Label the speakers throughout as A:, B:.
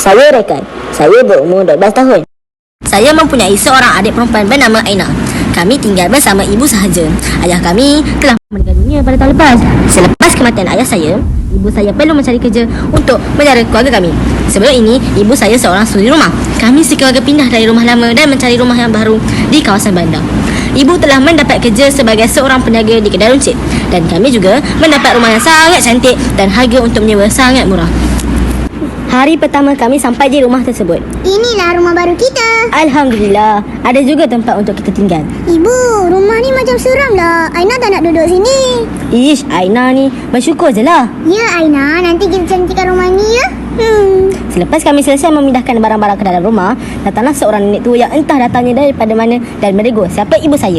A: Saya Rekan. Saya berumur 12 tahun. Saya mempunyai seorang adik perempuan bernama Aina. Kami tinggal bersama ibu sahaja. Ayah kami telah meninggal dunia pada tahun lepas. Selepas kematian ayah saya, ibu saya perlu mencari kerja untuk menjara keluarga kami. Sebelum ini, ibu saya seorang suri rumah. Kami sekeluarga pindah dari rumah lama dan mencari rumah yang baru di kawasan bandar. Ibu telah mendapat kerja sebagai seorang peniaga di kedai runcit. Dan kami juga mendapat rumah yang sangat cantik dan harga untuk menyewa sangat murah. Hari pertama kami sampai di rumah tersebut.
B: Inilah rumah baru kita.
A: Alhamdulillah, ada juga tempat untuk kita tinggal.
B: Ibu, rumah ni macam seram lah. Aina tak nak duduk sini.
A: Ish, Aina ni bersyukur je lah.
B: Ya Aina, nanti kita cantikkan rumah ni ya.
A: Selepas kami selesai memindahkan barang-barang ke dalam rumah, datanglah seorang nenek tua yang entah datangnya daripada mana dan menegur siapa ibu saya.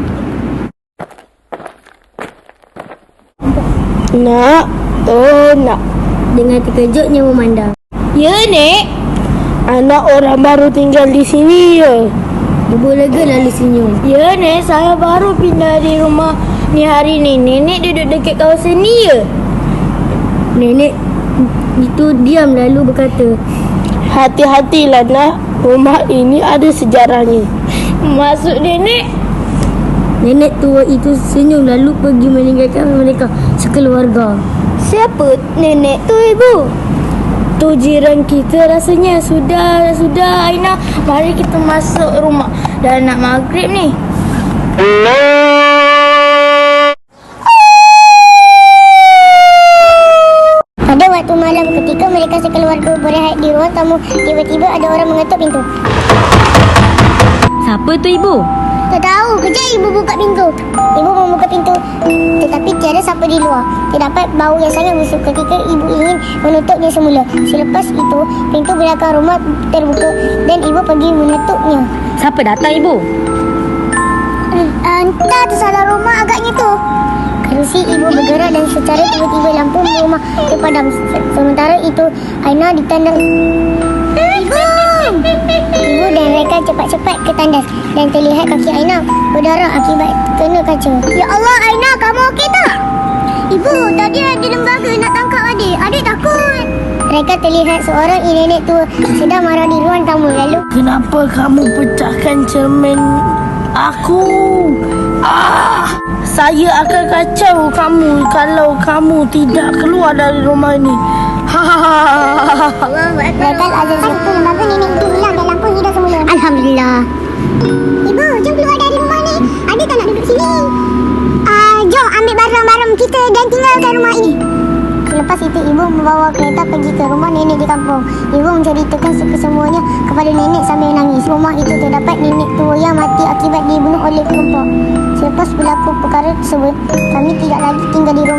C: Nak, nak.
B: Dengan terkejutnya memandang.
C: Ya, Nek. Anak orang baru tinggal di sini ya.
B: Ibu lega lalu senyum.
C: Ya, Nek. Saya baru pindah di rumah ni hari ni. Nenek duduk dekat kawasan ni ya.
B: Nenek itu diam lalu berkata,
C: Hati-hatilah nak. Rumah ini ada sejarahnya. Maksud Nenek?
B: nenek tua itu senyum lalu pergi meninggalkan mereka sekeluarga.
C: Siapa nenek tu, Ibu? Tu jiran kita rasanya. Sudah Aina. Mari kita masuk rumah. Dah nak maghrib ni.
B: Pada waktu malam ketika mereka sekeluarga berehat di ruang tamu, tiba-tiba ada orang mengetuk pintu.
A: Siapa tu ibu?
B: Tak tahu, kejap ibu buka pintu. Ibu membuka pintu, tetapi tiada siapa di luar. Terdapat bau yang sangat busuk ketika ibu ingin menutupnya semula. Selepas itu, pintu belakang rumah terbuka dan ibu pergi menutupnya.
A: Siapa datang ibu?
B: Entah tersalah rumah agaknya tu. Kerusi ibu bergerak dan secara tiba-tiba lampu rumah terpadam. Sementara itu, Aina ditandang. Ibu dan mereka cepat-cepat ke tandas dan terlihat kaki Aina berdarah akibat kena kaca. Ya Allah, Aina, kamu okey tak? Ibu, tadi ada lembaga nak tangkap adik. Adik takut. Mereka terlihat seorang nenek tua sedang marah di ruang tamu lalu.
C: Kenapa kamu pecahkan cermin aku? Saya akan kacau kamu kalau kamu tidak keluar dari rumah ini.
B: Mereka ada satu lembaga nenek itu hilang dan lampu hidup semula. Alhamdulillah. Ibu, jom keluar dari rumah ni. Adik tak nak duduk sini. Jom ambil barang-barang kita dan tinggalkan rumah ini. Selepas itu, ibu membawa kereta pergi ke rumah nenek di kampung. Ibu menceritakan kesemuanya kepada nenek sambil menangis. Rumah itu terdapat nenek tua yang mati akibat dibunuh oleh perampok. Selepas berlaku perkara tersebut, kami tidak lagi tinggal di